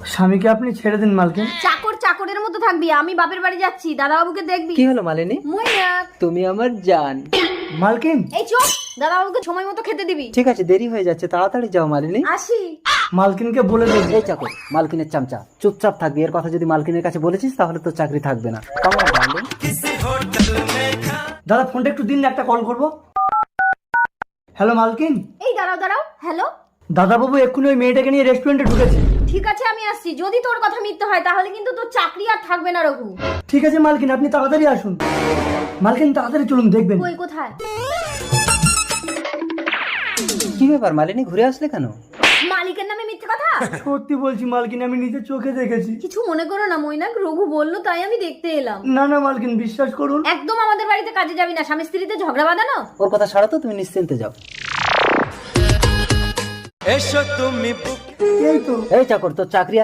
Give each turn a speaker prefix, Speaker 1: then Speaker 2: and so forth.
Speaker 1: স্বামীকে আপনি ছেড়ে দিন মালকিন।
Speaker 2: চাকর চাকরের মতো থাকবি, আমি বাপের বাড়ি যাচ্ছি, দাদাবাবুকে দেখবি।
Speaker 3: কি হলো মালিনী?
Speaker 2: মৈনাক,
Speaker 3: তুমি আমার জান।
Speaker 1: মালকিন
Speaker 2: এই চুপ, দাদাবাবুকে সময় মতো খেতে দিবি।
Speaker 3: ঠিক আছে, দেরি হয়ে যাচ্ছে, তাড়াতাড়ি যাও মালিনী।
Speaker 2: আসি।
Speaker 1: মালকিনকে বলে দেব।
Speaker 3: এই চাকর, মালকিনের চামচা, চুপচাপ থাকবি। এর কথা যদি মালকিনের কাছে বলেছিস তাহলে তো চাকরি থাকবে না। কেমন ডার্লিং?
Speaker 1: দাদা ফোনটা একটু দিন, একটা কল করব। হ্যালো মালকিন।
Speaker 2: এই দাঁড়াও দাঁড়াও, হ্যালো।
Speaker 1: দাদাবাবু এক্ষুনি ওই মেয়েটাকে নিয়ে রেস্টুরেন্টে ঢুকেছে।
Speaker 2: ঠিক আছে আমি আসছি, যদি তোর কথা মিথ্যে হয় তাহলে কিন্তু তোর চাকরি আর থাকবে না রঘু।
Speaker 1: ঠিক আছে মালকিন, আপনি তাড়াতাড়ি আসুন। মালকিন তাড়াতাড়ি চলুন, দেখবেন।
Speaker 2: কই কোথায়?
Speaker 3: কি ব্যাপার মালিনী, ঘুরে আসলে কেন?
Speaker 2: মালিকের নামে মিথ্যে কথা?
Speaker 1: সত্যি বলছি মালকিন, আমি নিজের চোখে দেখেছি।
Speaker 2: কিছু মনে করো না মৈনাক, রঘু বললো তাই আমি দেখতে এলাম।
Speaker 1: না না মালকিন, বিশ্বাস করুন।
Speaker 2: একদম আমাদের বাড়িতে কাজে যাবি না, স্বামী স্ত্রীতে ঝগড়া বাঁধানো।
Speaker 3: ওর কথা ছাড়া তো, তুমি নিশ্চিন্তে যাও।
Speaker 1: এই তো।
Speaker 3: এই চাকর, তোর চাকরি